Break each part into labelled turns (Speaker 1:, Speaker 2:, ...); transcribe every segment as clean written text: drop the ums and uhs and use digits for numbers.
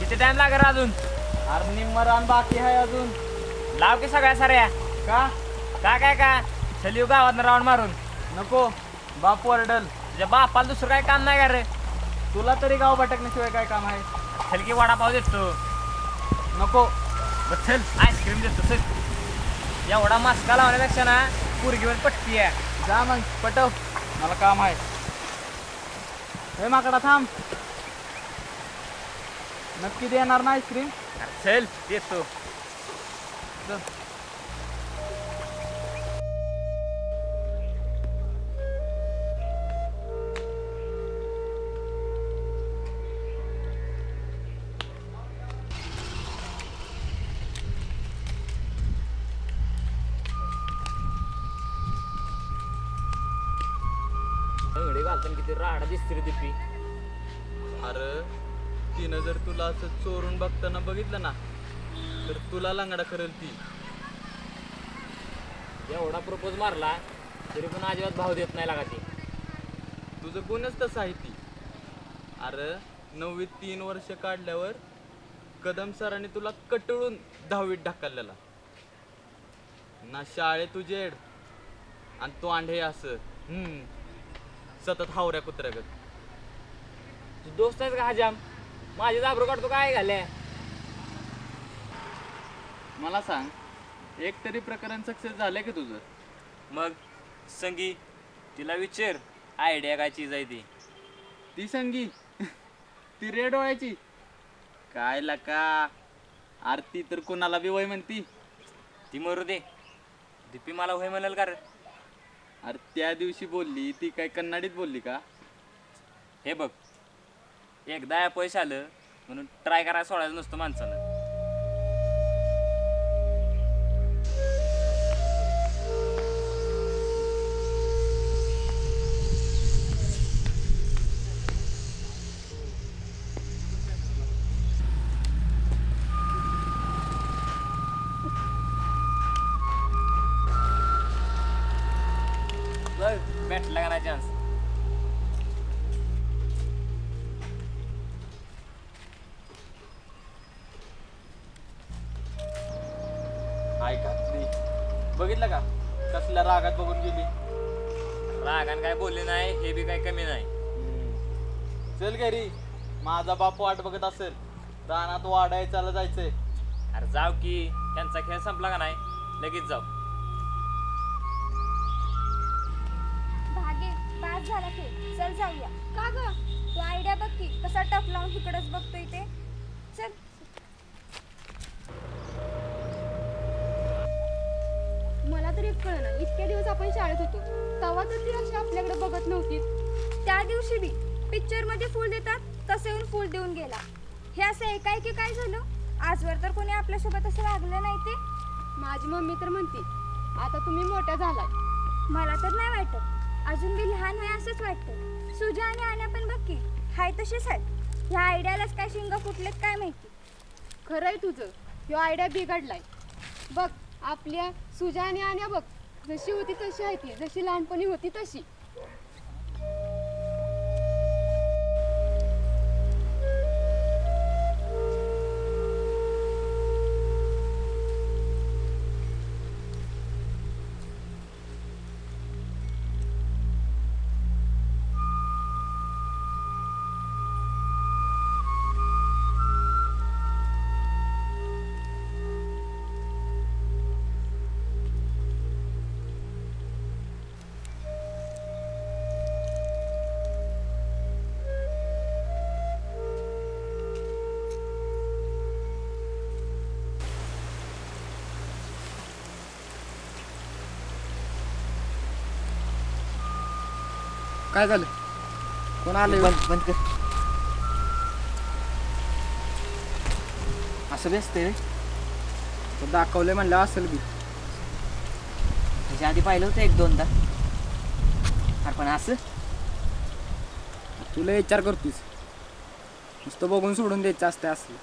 Speaker 1: किती टाइम लागेल अजून?
Speaker 2: अरे निम्म रान बाकी आहे अजून.
Speaker 1: लाव की सगळ्या साऱ्या.
Speaker 2: का
Speaker 1: का चल येऊ गावात राऊंड मारून.
Speaker 2: नको, बाप ओरडल.
Speaker 1: तुझ्या बापाला दुसरं काय काम नाही का रे?
Speaker 2: तुला तरी गाव भटकण्याशिवाय काय काम आहे?
Speaker 1: चल की वडापाव देतो.
Speaker 2: नको.
Speaker 1: बरं चल आईस्क्रीम देतो चल. एवढा मास्का लावण्यापेक्षा ना पुरगीवर पट्टी आहे.
Speaker 2: जा मग पटव, मला काम आहे. हे माकडा थांब. नक्की देणार ना आईस्क्रीम?
Speaker 1: चल देतो.
Speaker 2: चल.
Speaker 1: अंगडी घालताना किती राडा दिसते रे दिपी.
Speaker 2: अरे तिनं जर तुला असं चोरून बघताना बघितलं ना तर तुला लंगडा करेल ती.
Speaker 1: एवढा प्रपोज मारला तरी पण अजिबात भाव देत नाही लागा ती.
Speaker 2: तुझं गुणच तसं आहे ती. अरे 9वीत 3 वर्ष काढल्यावर कदम सरांनी तुला कटळून 10वीत ढकललेला ना. शाळेत उजेड आणि तो आंढे असं सतत हावऱ्या कुत्र्यागत.
Speaker 1: तू दोस्त आहेस का हजाम? माझे जाबरू काढतो काय घाल्या.
Speaker 2: मला सांग, एक तरी प्रकरण सक्सेस झालंय की तुझं?
Speaker 1: मग संगी तिला विचार आयडिया काय चीज आहे ती.
Speaker 2: ती संगी ती रेड डोळ्याची काय लका. आरती तर कोणाला बी वय म्हणती.
Speaker 1: ती मरू दे. दिपी मला होय म्हणाल का रे?
Speaker 2: अरे त्या दिवशी बोलली ती काय कन्नडीत बोलली का?
Speaker 1: हे बघ, एकदा अपयश आलं म्हणून ट्राय करायला सोडायचं नसतं माणसानं. भेटला का नाही चान्स?
Speaker 2: ऐका बघितलं का कसल्या रागात बघून गेली.
Speaker 1: रागान काय बोलले नाही हे बी काय कमी नाही.
Speaker 2: चल घरी, माझा बाप वाट बघत असेल. रानात वाढायचाला जायचंय.
Speaker 1: अरे जाऊ की, त्यांचा खेळ संपला का नाही लगेच जाऊ.
Speaker 3: भागे पास झाला खेळ, चल जाऊया. का ग तू आयडिया बघ की कसा टप लावून इकडंच बघतोय ते. चल.
Speaker 4: मला तरी एक कळलं, इतक्या दिवस आपण शाळेत होतो तेव्हा तर ती अशी आपल्याकडे बघत नव्हती.
Speaker 3: त्या दिवशी बी पिक्चर मध्ये फुल देतात तसे येऊन फुल देऊन गेला. हे असं एकाएकी काय झालं? आजवर तर कोणी आपल्यासोबत असं वागलं नाही ते.
Speaker 4: माझी मम्मी तर म्हणते आता तुम्ही मोठ्या झालाय.
Speaker 3: मला तर नाही वाटत, अजून बी लहान आहे असंच वाटतं. सुजा आणि आण्या पण बघ की हाय तशीच आहेत. ह्या आयडियालाच काय शिंग फुटलेत काय माहिती.
Speaker 4: खरंय तुझं, ह्यो आयडिया बिघडलाय. बघ आपल्या सुजा आणि आण्या बघ, जशी होती तशी आहे ती, जशी लहानपणी होती तशी.
Speaker 2: काय झालं? कोण आलं?
Speaker 5: बंद कर. असं बी असते रे.
Speaker 2: तो दाखवलंय म्हणलं असेल बी.
Speaker 5: त्याच्या आधी पाहिलं होतं 1-2दा. अरे पण असं
Speaker 2: तुला विचार करतोस, नुसतं बघून सोडून द्यायचं असतं असलं.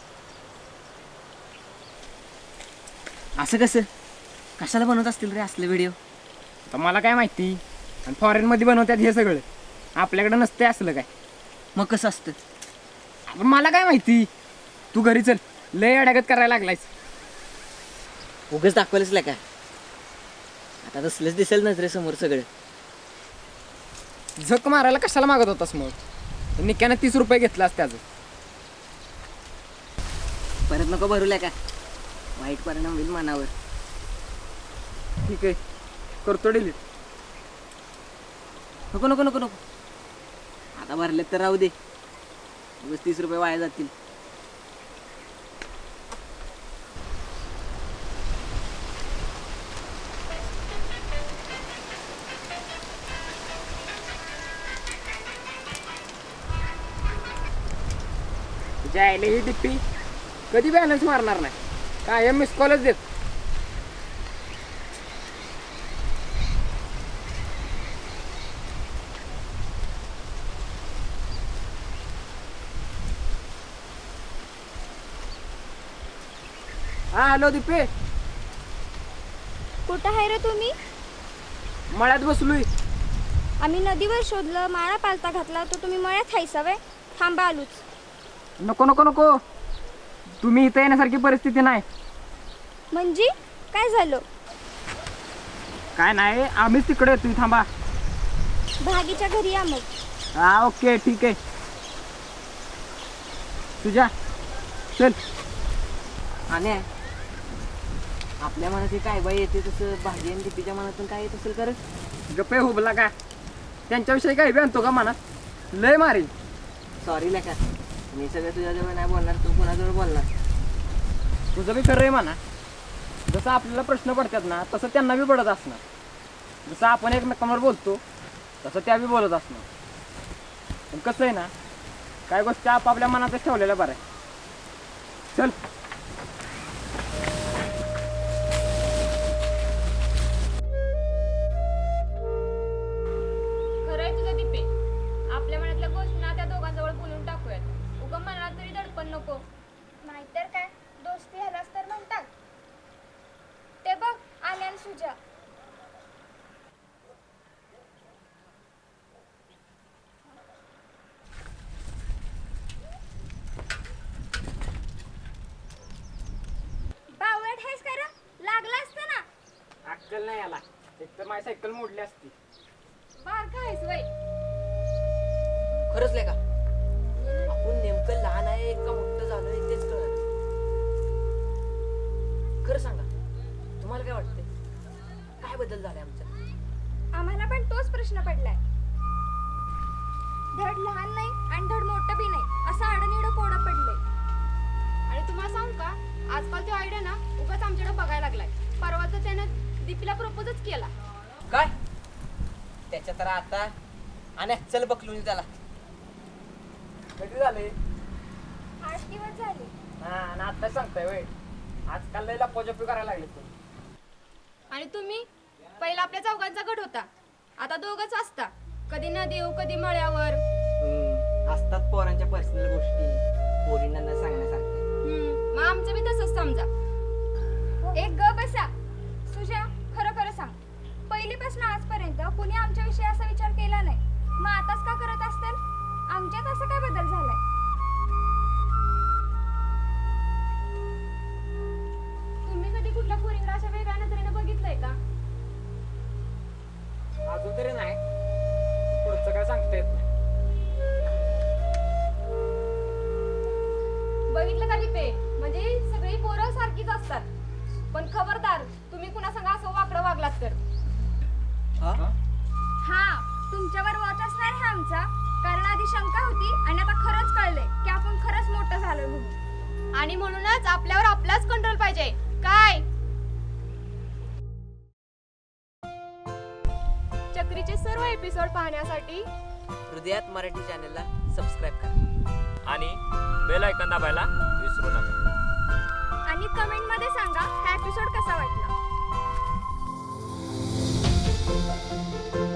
Speaker 5: असं कसं कशाला बनवत असतील रे असले व्हिडिओ?
Speaker 2: आता मला काय माहिती. आणि फॉरेनमध्ये बनवतात हे सगळं, आपल्याकडे नसते असलं काय.
Speaker 5: मग कसं असतं?
Speaker 2: आता मला काय माहिती.
Speaker 1: तू घरी चल, लय अडगत करायला लागलायस.
Speaker 5: उगाच दाखवलंच का आता तसलंच दिसेल नजरेसमोर सगळं.
Speaker 1: झक मारायला कशाला मागत होतास मग? निक्यानं 30 रुपये घेतलास त्याचं.
Speaker 5: परत नको भरूल्या का, वाईट परिणाम होईल मनावर.
Speaker 1: ठीक आहे, करतो डिलीट.
Speaker 5: नको नको नको नको, आता भरले तर राहू दे, उगाच 30 रुपये वाया जातील.
Speaker 1: तुझ्या आईला ही टिप्पी कधी बॅलन्स मारणार नाही, कायम मिस कॉलच देत. हा हॅलो दीपे,
Speaker 3: कुठं आहे रे तुम्ही?
Speaker 1: मळ्यात बसलोय.
Speaker 3: आम्ही नदीवर शोधलं, माळा पालता घातला, तर तुम्ही मळ्यात हायसा व्हय? थांबा आलूच.
Speaker 1: नको नको नको, तुम्ही इथं येण्यासारखी परिस्थिती नाही.
Speaker 3: म्हणजे काय झालं?
Speaker 1: काय नाही, आम्हीच तिकडे येतोय, थांबा.
Speaker 3: भागीच्या घरी या मग.
Speaker 1: हा ओके ठीक आहे. तुझ्या चल.
Speaker 5: आणि आपल्या मनात काय बाई येते तसं भाजी आणि दीपीच्या मनातून काय येत असेल कर.
Speaker 1: गप्पे हुबला का, त्यांच्याविषयी काही बी आणतो का मनात? लय मारी.
Speaker 5: सॉरी लेका, मी सगळं तुझ्याजवळ नाही बोलणार, तू कोणाजवळ बोलणार.
Speaker 1: तुझं बी खरं आहे म्हणा. जसं आपल्याला प्रश्न पडतात ना, तसं त्यांना बी पडत असणार. जसं आपण एकमेकांवर बोलतो तसं त्या बी बोलत असणार. पण कसं आहे ना, काय गोष्टी आपापल्या मनातच ठेवलेल्या बरं आहे. चल.
Speaker 4: खरंय तुझं दीपे, आपल्या मनातल्या गोष्टींना त्या दोघांजवळ बोलून टाकूयात. उगम मनात तरी दडपण नको.
Speaker 3: नाहीतर काय, दोस्ती ह्यालाच तर म्हणतात. ते बघ आल्या आणि सुजा. बावळट आहेस का रे? लागला असतं ना.
Speaker 1: अक्कल नाही याला, एक तर माझी सायकल मोडली असती.
Speaker 4: बारका आहेस वय.
Speaker 5: खरंच लेका, आपण नेमकं लहान आहे का मोठं झालोय तेच कळत. खरं सांगा, तुम्हाला काय वाटतंय, काय बदल झालाय आमचा?
Speaker 3: आम्हाला पण तोच प्रश्न पडलाय. धड लहान नाही आणि धड मोठं बी नाही, असं आडनिडं कोडं पडलंय.
Speaker 4: आणि तुम्हाला सांगू का, आजकाल तो आयडिया ना उगाच आमच्याकडे बघायला लागलाय. परवा तर त्यानं दीपीला प्रपोजच केला.
Speaker 5: काय त्याच्या तर आता आणि चल बकलून त्याला.
Speaker 1: कधी झाले?
Speaker 3: 8 दिवस झाले.
Speaker 1: हा, आणि आता सांगताय वय, आजकाल लय लपोजपी करायला लागले तू.
Speaker 4: आणि तुम्ही पहिला आपल्या चौघांचा गट होता, आता दोघच असता. कधी नदीव कधी मळ्यावर.
Speaker 5: असतात पोरांच्या पर्सनल गोष्टी पोरींना न सांगण्यासारख्या.
Speaker 4: मग आमचं बी तसंच समजा.
Speaker 3: एक ग बसा. सुजा, खरं खरं सांग, पहिलीपासून आजपर्यंत कुणी आमच्याविषयी असा विचार केला नाही, मग आताच का करत असतील? आमच्यात असं काय बदल झालाय?
Speaker 4: तुम्ही कधी कुठल्या पोरींना अशा वेगळ्या नजरेनं बघितलंय का?
Speaker 1: अजून तरी नाही, पुढचं काय सांगता येत नाही.
Speaker 4: बघितलं का दीपे, म्हणजे सगळी पोरं सारखीच असतात. पण खबरदार, तुम्ही कुणा संग असं वाकडं वागलात तर.
Speaker 3: हा, तुमच्यावर वॉच असणार आहे आमचा, कारण आधी शंका होती आणि आता खरंच कळलंय की आपण खरंच मोठं झालोय म्हणून.
Speaker 4: आणि म्हणूनच आपल्यावर आपलाच कंट्रोल पाहिजे. काय चक्रीचे सर्व एपिसोड पाहण्यासाठी
Speaker 5: हृदयात मराठी चॅनलला सबस्क्राईब करा
Speaker 1: आणि बेल आयकॉन दाबायला विसरू नका.
Speaker 3: आणि कमेंटमध्ये सांगा हा एपिसोड कसा वाटला.